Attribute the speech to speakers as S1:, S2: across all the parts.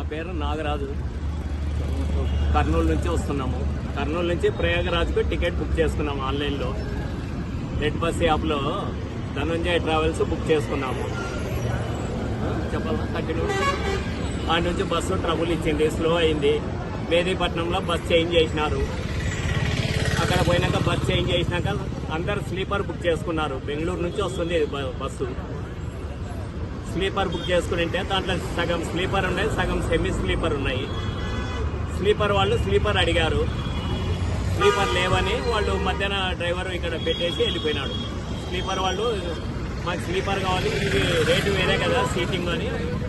S1: పేరు నాగరాజు. కర్నూలు నుంచి వస్తున్నాము. కర్నూలు నుంచి ప్రయాగరాజ్కు టికెట్ బుక్ చేసుకున్నాము ఆన్లైన్లో. రెడ్ బస్ యాప్లో ధనుంజయ ట్రావెల్స్ బుక్ చేసుకున్నాము. చెప్పాలా కంటిన్యూ. ఆ నుంచి బస్సు ట్రబుల్ ఇచ్చింది, స్లో అయింది. మేదీపట్నంలో బస్ చేంజ్ చేసినారు. అక్కడ పోయినాక బస్ చేంజ్ చేసినాక అందరు స్లీపర్ బుక్ చేసుకున్నారు. బెంగళూరు నుంచి వస్తుంది బస్సు. స్లీపర్ బుక్ చేసుకుంటే దాంట్లో సగం స్లీపర్ ఉన్నాయి, సగం సెమీ స్లీపర్ ఉన్నాయి. స్లీపర్ వాళ్ళు స్లీపర్ అడిగారు, స్లీపర్ లేవని వాళ్ళు మధ్యాహ్న డ్రైవర్ ఇక్కడ పెట్టేసి వెళ్ళిపోయినాడు. స్లీపర్ వాళ్ళు మాకు స్లీపర్ కావాలి, ఇది రేటు వేరే కదా సీటింగ్ అని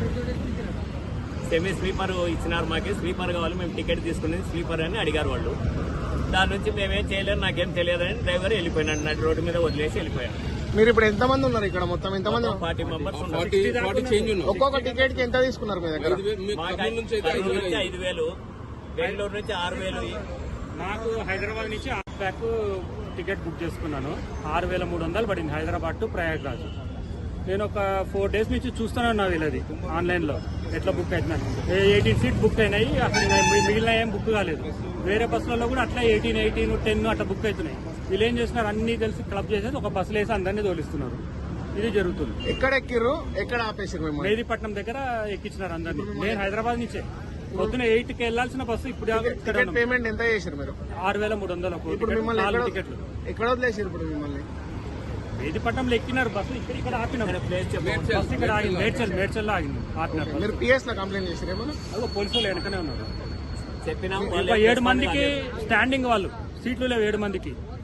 S1: సెమీ స్లీపర్ ఇచ్చినారు. మాకు స్లీపర్ కావాలి, మేము టికెట్ తీసుకునేది స్లీపర్ అని అడిగారు వాళ్ళు. దాని నుంచి మేమేం చేయలేదు, నాకేం తెలియదని డ్రైవర్ వెళ్ళిపోయినాడు. నడి రోడ్డు మీద వదిలేసి వెళ్ళిపోయాడు.
S2: మీరు ఇప్పుడు ఎంతమంది ఉన్నారు ఇక్కడ? మొత్తం ఎంతమంది?
S1: 40 మెంబర్స్
S2: ఒక్కొక్క టికెట్ కి ఎంత తీసుకున్నారు మీ దగ్గర?
S1: 5,000, బెంగళూరు నుంచి 6,000.
S3: నాకు హైదరాబాద్ నుంచి బ్యాక్ టికెట్ బుక్ చేసుకున్నాను. 6,300 పడింది హైదరాబాద్ టు ప్రయాగ్రాజ్. నేను ఒక 4 days నుంచి చూస్తున్నాను నా వీళ్ళది ఆన్లైన్లో ఎట్లా బుక్ అవుతున్నాయి. 18 సీట్ బుక్ అయినాయి, అసలు మిగిలిన ఏం బుక్ కాలేదు. వేరే బస్సులలో కూడా అట్లా 18, 10 అట్లా బుక్ అవుతున్నాయి. వీళ్ళు ఏం చేస్తున్నారు, అన్ని కలిసి క్లబ్ చేసేది ఒక బస్సులు వేసి అందరినీ తోలిస్తున్నారు. ఇది జరుగుతుంది.
S2: ఎక్కడ ఎక్కిర్రు, ఎక్కడ ఆపేసారు?
S3: మేదీపట్నం దగ్గర ఎక్కించినారు అందరినీ. నేను హైదరాబాద్ నుంచే పొద్దున 8కి వెళ్లాల్సిన బస్సు ఇప్పుడు
S2: పేమెంట్ ఎంత చేశారు మీరు?
S3: 6,300
S2: ఇప్పుడు మిమ్మల్ని
S3: 4 టికెట్లు.
S2: ఎక్కడ వదిలేసారు ఇప్పుడు మిమ్మల్ని?
S3: మేదీపట్నంలో ఎక్కినారు బస్సు, ఇక్కడ ఆపినారు. బస్సు ఇక్కడ ఆగింది, మేడ్చల్లో ఆగింది, ఆపినారు.
S2: మీరు పిఎస్ లో కంప్లైంట్ చేశారు ఏమన్నా?
S3: అదో పోలీసులు వెనకనే ఉన్నారు.
S1: చెప్పినా
S3: 7 మందికి స్టాండింగ్, వాళ్ళు సీట్లు లేవు 7 మందికి.